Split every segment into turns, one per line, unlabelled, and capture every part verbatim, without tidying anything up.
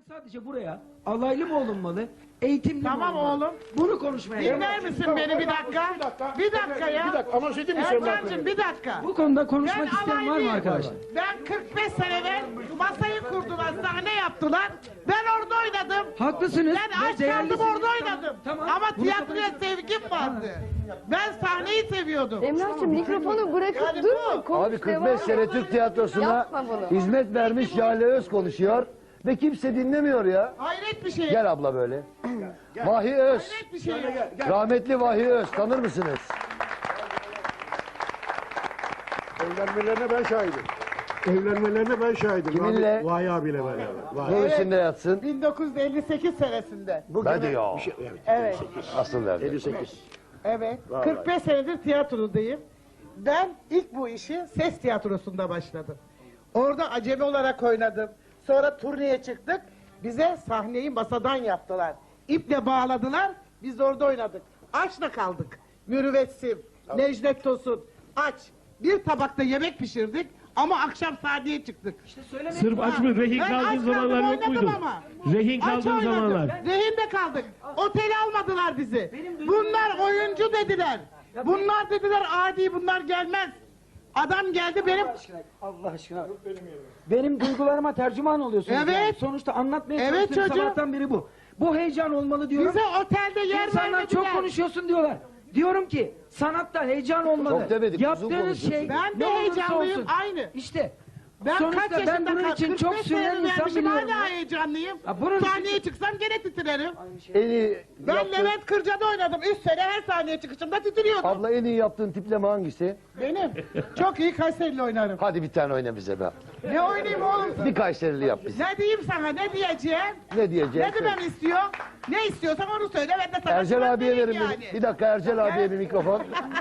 sadece buraya alaylı mı olunmalı, eğitimli
Tamam
mi olunmalı?
oğlum.
Bunu konuşmaya geldim.
Dinler misin beni bir dakika?
Bir dakika.
Bir dakika ya.
Bir dakika ama şey değil mi Semra
Ercan'cığım
Hanım?
bir dakika.
Bu konuda konuşmak
Ben
isteyen var mı
alaylıyım.
arkadaşlar?
Ben kırk beş sene evvel masayı kurdular, sahne yaptılar. Ben orada oynadım.
Haklısınız.
Ben
ve
aç
değerlisiniz.
kaldım orada
Tamam,
oynadım.
Tamam.
Ama
Bunu
tiyatroya
kabul-
sevgim vardı. Ben sahneyi seviyordum.
Emrah'cığım mikrofonu bırakıp
Yani
durma.
bu-
Konuş,
Abi kırk
devam
beş
et.
sene Türk tiyatrosuna
Yapma bunu.
hizmet vermiş Jale Öz konuşuyor ve kimse dinlemiyor ya.
Hayret bir şey.
Gel abla böyle. Vahiy Öz.
Hayret bir şey.
Rahmetli Vahiy Öz tanır mısınız?
Evlenmelerine ben şahidim. Evlenmelerine ben şahidim.
Kiminle?
Vay abiyle beraber. Vay.
Nur içinde yatsın.
bin dokuz yüz elli sekiz senesinde.
Ben de ya.
Şey, evet.
Evet.
Asıl verdi.
elli sekiz.
Evet. kırk beş senedir tiyatrodayım. Ben ilk bu işi ses tiyatrosunda başladım. Orada acemi olarak oynadım. Sonra turneye çıktık. Bize sahneyi masadan yaptılar. İple bağladılar. Biz orada oynadık. Açla kaldık. Mürüvvetsim, Necdet Tosun, aç. Bir tabakta yemek pişirdik ama akşam sahneye çıktık.
Sırf aç mı? Rehin
Ben
kaldığın
aç kaldım,
zamanlar yok
oynadım
muydu?
ama.
Rehin
Aç
kaldığın
oynadım.
zamanlar.
Rehinde kaldık. Otele almadılar bizi. Bunlar oyuncu dediler. Bunlar dediler adi, bunlar gelmez. Adam geldi benim.
Allah aşkına. Benim duygularıma tercüman oluyorsunuz.
Evet.
yani. Sonuçta anlatmaya
Evet
çalıştığım
çocuğum.
sabahtan biri bu. Bu heyecan olmalı diyorum.
Bize otelde yer
İnsanlar
vermediler.
çok konuşuyorsun diyorlar. Diyorum ki sanatta heyecan olmalı.
Çok demedik, uzun
Yaptığınız
konuşuyorsun.
şey
Ben de
ne olursa
heyecanlıyım,
olsun.
aynı.
İşte
Ben
sonuçta
kaç
ben
yaşında
bunun
kal-
için
kırk
çok
beş
süren
sene
insan
vermişim,
biliyorum.
hala
ya.
heyecanlıyım.
Ya bunun için-
Sahneye çıksam gene titrerim.
En iyi
Ben
yaptığın,
Levent Kırca'da oynadım. Üç sene her sahneye çıkışımda titriyordum.
abla en iyi yaptığın tipleme hangisi?
Benim. Çok iyi Kayseri'yle oynarım.
Hadi bir tane oyna bize be.
Ne oynayayım oğlum?
Bir Kayserili yap bize.
Ne diyeyim sana, ne diyeceğim?
Ne diyeceğim?
Ne demem istiyor? Ne istiyorsan onu söyle, ben de sana
Ercel
cevap
abiye
vereyim
verin
yani.
bir. Bir dakika Ercel abiye bir mikrofon.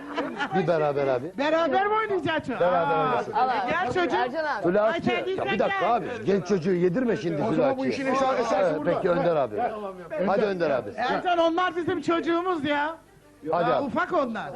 Bir beraber abi.
Beraber mi oynayacaksın?
Beraber
Aa,
oynasın.
e, Gel çocuğum.
Ercan abi.
Flaççı.
Ay, sen
Ya bir dakika
gel.
abi. Genç çocuğu yedirme şimdi
O zaman bu
flaççı.
işin esası esası
Evet,
burada.
peki Önder abi. Hadi Önder abi.
Ercan onlar bizim çocuğumuz ya.
Hadi
Ya,
abi.
ufak onlar.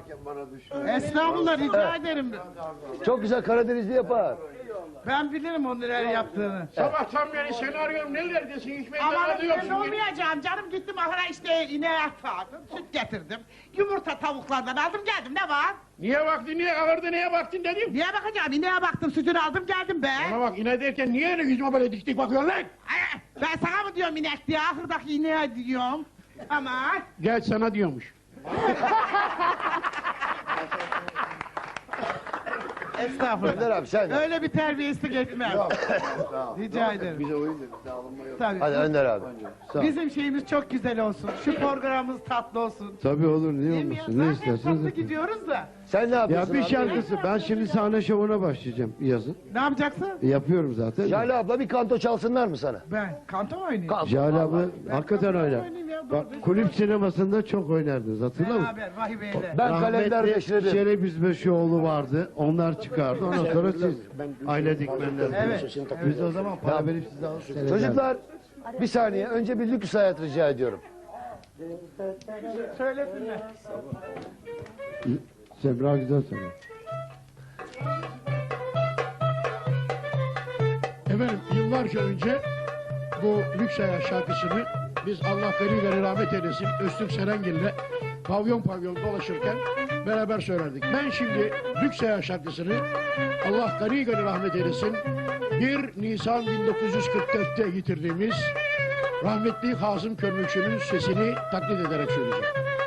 Estağfurullah, rica ederim.
Çok güzel Karadenizli yapar.
Ben bilirim onun neler yaptığını.
Sabahtan beri seni arıyorum. Nerelerdesin? Hiç beni
Ama ben
arıyorsun.
olmayacağım canım, gittim ahıra işte ineğe sağdım, süt getirdim. Yumurta tavuklardan aldım geldim, ne var?
Niye baktın? Niye ağırdı? Neye baktın dedim.
Niye bakacağım, ineğe baktım, sütünü aldım geldim be.
Bana bak yine derken niye öyle yüzüme böyle dik dik bakıyorsun lan?
Ay, ben sana mı diyorum inek diye, ahırdaki ineğe diyorum. Aman.
Gel sana diyormuş.
Estağfurullah.
Önder abi sen de.
Öyle bir terbiyesizlik etmem. Rica ederim. Bize oyun dedik, Tabii.
Hadi Önder abi.
Bizim şeyimiz çok güzel olsun. Şu programımız tatlı olsun.
Tabii olur, niye
Değil mi ya?
olmasın, ne
Zaten
isterseniz.
tatlı gidiyoruz da.
Sen ne
Ya
yapıyorsun
bir
abi?
şarkısı, ben şimdi sahne şovuna başlayacağım yazın.
Ne yapacaksın?
Yapıyorum zaten.
Jale abla bir kanto çalsınlar mı sana?
Ben kanto mu oynayayım?
Kanto.
Jale abi hakikaten
kanka
oynar.
oynayayım ya, dur,
Bak
dur.
kulüp sinemasında çok oynardınız, hatırlar mısın?
Beraber Vahiy Bey'le.
Ben kalender beşledim.
Şeref Yüzbaşıoğlu vardı, onlar çıkardı. Ondan sonra siz aile dikmenler.
Evet.
Biz o zaman para verip sizi alıp seyrederdik.
Çocuklar bir saniye önce bir lüks hayat rica ediyorum.
Söylesinler.
Semra güzel söylüyor.
Efendim yıllarca önce bu Lüks Hayat şarkısını biz Allah gani gani rahmet eylesin Öztürk Serengil'le pavyon pavyon dolaşırken beraber söylerdik. Ben şimdi Lüks Hayat şarkısını Allah gani gani rahmet eylesin bir Nisan bin dokuz yüz kırk dört'te yitirdiğimiz rahmetli Hazım Körmükçü'nün sesini taklit ederek söyleyeceğim.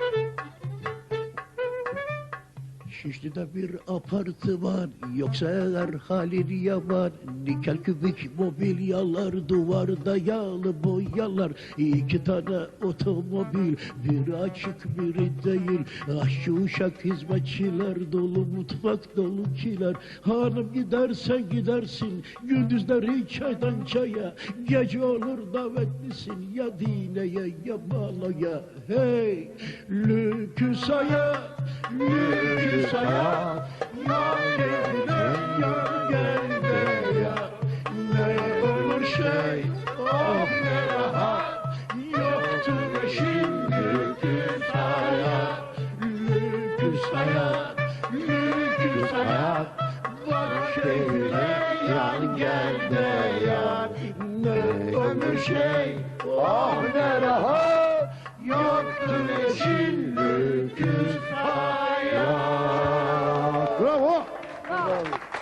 Şişli'de bir apartman yoksa eğer halin yaman nikel kübik mobilyalar duvarda yağlı boyalar iki tane otomobil biri açık biri değil aşçı uşak hizmetçiler dolu mutfak dolu kiler hanım gidersen gidersin gündüzleri çaydan çaya gece olur davetlisin ya dineye ya baloya hey lüküs hayat lüküs hayat yar evine yar gelme ya ne olur şey oh ne rahat yoktur şimdi lüküs hayat lüküs hayat lüküs hayat bak evine yar gelme ya ne olur bir şey,
Ah ne rahat.
yoktur eşin öküz hayat. Bravo.
Bravo.